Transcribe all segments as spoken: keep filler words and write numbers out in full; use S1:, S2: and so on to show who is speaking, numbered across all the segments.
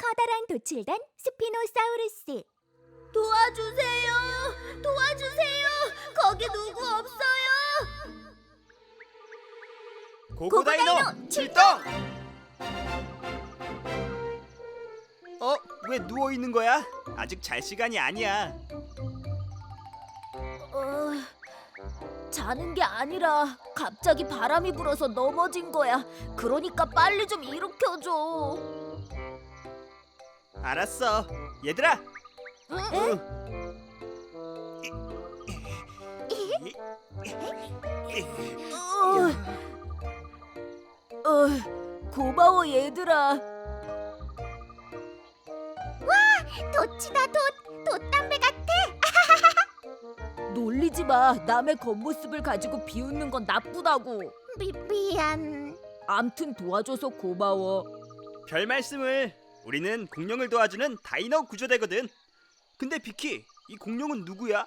S1: 커다란 도칠단 스피노사우루스. 도와주세요! 도와주세요! 거기 누구 없어요?
S2: 고고다이노 출동! 어? 왜 누워 있는 거야? 아직 잘 시간이 아니야.
S1: 어, 자는 게 아니라 갑자기 바람이 불어서 넘어진 거야. 그러니까 빨리 좀 일으켜줘.
S2: 알았어. 얘들아.
S1: 응? 어, 어, 고마워 얘들아. 도치다 돛! 돛담배 같아! 놀리지 마. 남의 겉모습을 가지고 비웃는 건 나쁘다고. 미, 미안. 암튼 도와줘서 고마워.
S2: 별 말씀을. 우리는 공룡을 도와주는 다이노 구조대거든. 근데 비키, 이 공룡은 누구야?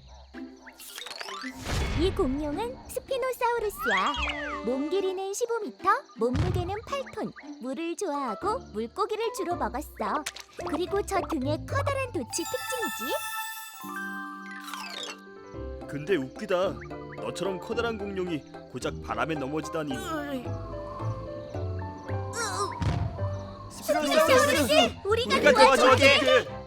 S1: 이 공룡은 스피노사우루스야. 몸 길이는 십오 미터, 몸무게는 팔 톤. 물을 좋아하고 물고기를 주로 먹었어. 그리고 저 등에 커다란 돛이 특징이지.
S2: 근데 웃기다. 너처럼 커다란 공룡이 고작 바람에 넘어지다니.
S1: 스피노사우루스! 우리가,
S2: 우리가 도와줄게.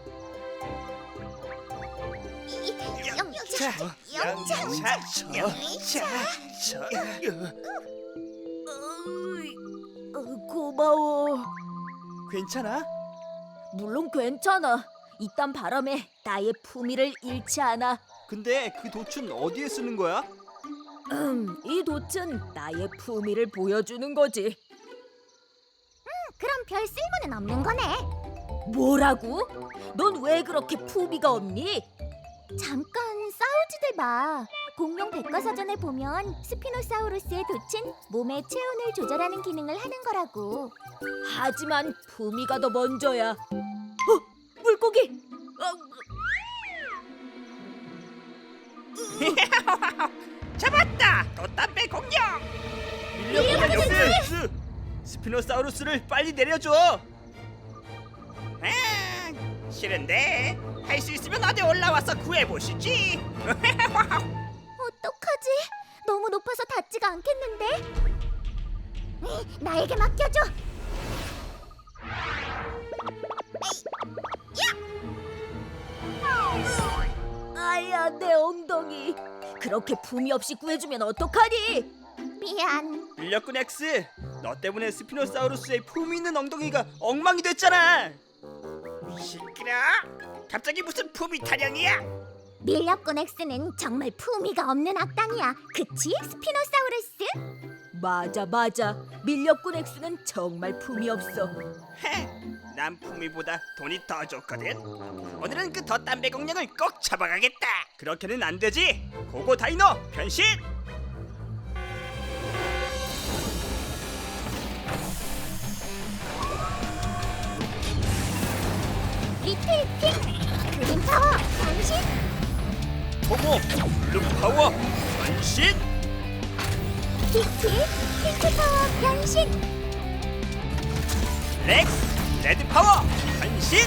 S1: 영차!
S2: 영차! 영차!
S1: 고마워.
S2: 괜찮아?
S1: 물론 괜찮아. 이딴 바람에 나의 품위를 잃지 않아.
S2: 근데 그 돛은 어디에 쓰는 거야?
S1: 음, 이 돛은 나의 품위를 보여주는 거지. 그럼 별 쓸모는 없는 거네. 뭐라고? 넌 왜 그렇게 품위가 없니? 잠깐 싸우지들 마. 공룡 백과사전에 보면 스피노사우루스의 돛은 몸의 체온을 조절하는 기능을 하는 거라고. 하지만 품위가 더 먼저야. 어, 물고기!
S2: 잡았다! 돛담배 공룡! 밀려보냈스! 스피노사우루스를 빨리 내려줘! 아, 싫은데 할 수 있으면 어디 올라와서 구해보시지.
S1: 어떡하지? 너무 높아서 닿지가 않겠는데? 이, 나에게 맡겨줘. 아야, 내 엉덩이. 그렇게 품위 없이 구해주면 어떡하니? 미안.
S2: 밀려꾼 X, 너 때문에 스피노사우루스의 품위 있는 엉덩이가 엉망이 됐잖아. 시끄러. 갑자기 무슨 품위 타령이야?
S1: 밀렵꾼 X는 정말 품위가 없는 악당이야. 그치, 스피노사우루스? 맞아, 맞아. 밀렵꾼 X는 정말 품위 없어.
S2: 헤, 난 품위보다 돈이 더 좋거든. 오늘은 그 덧담배 공룡을 꼭 잡아가겠다. 그렇게는 안 되지. 고고 다이노 변신.
S1: 리틀 핑 그린 파워 변신.
S2: 고고 블루 파워 변신.
S1: 비키 핑크 파워 변신.
S2: 렉스 레드 파워 변신.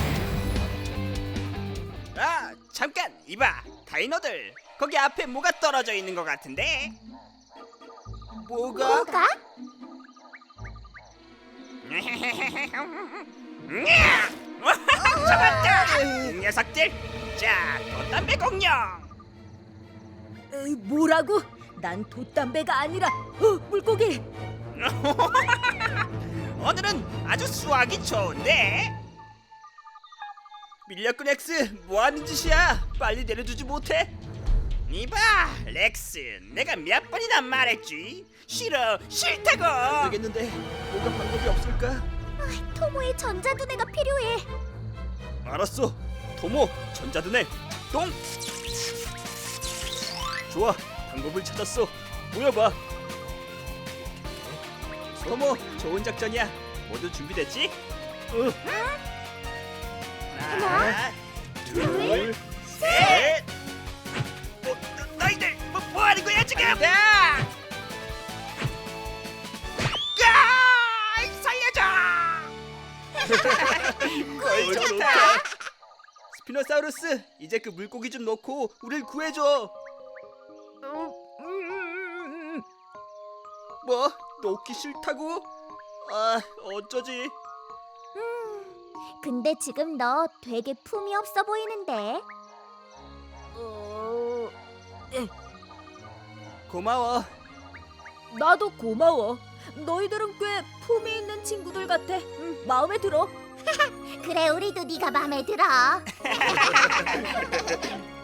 S2: 아 잠깐 이봐 다이노들, 거기 앞에 뭐가 떨어져 있는 것 같은데. 뭐가?
S1: 뭐가?
S2: 잡았다 이 녀석들. 자 돛담배 공룡.
S1: 에이, 뭐라고? 난 돛담배가 아니라 어, 물고기.
S2: 오늘은 아주 수학이 좋은데. 밀려꾼 X 뭐하는 짓이야? 빨리 내려주지 못해? 이봐 렉스, 내가 몇 번이나 말했지. 싫어 싫다고. 안 되겠는데 뭔가 방법이 없을까?
S1: 아, 토모의 전자두뇌가 필요해.
S2: 알았어. 토모 전자드네 똥. 좋아, 방법을 찾았어. 모여봐. 토모 좋은 작전이야. 모두 준비됐지? 응. 하나, 둘, 셋. 어, 너, 너희들 뭐, 뭐 하는 거야 지금? 야! 살려줘! 꿀 좋다. 스피노사우루스, 이제 그 물고기 좀 놓고 우릴 구해줘. 뭐? 놓기 싫다고? 아, 어쩌지?
S1: 근데 지금 너 되게 품이 없어 보이는데. 어...
S2: 고마워.
S1: 나도 고마워. 너희들은 꽤 품이 있는 친구들 같아. 응, 마음에 들어. 그래, 우리도 네가 마음에 들어.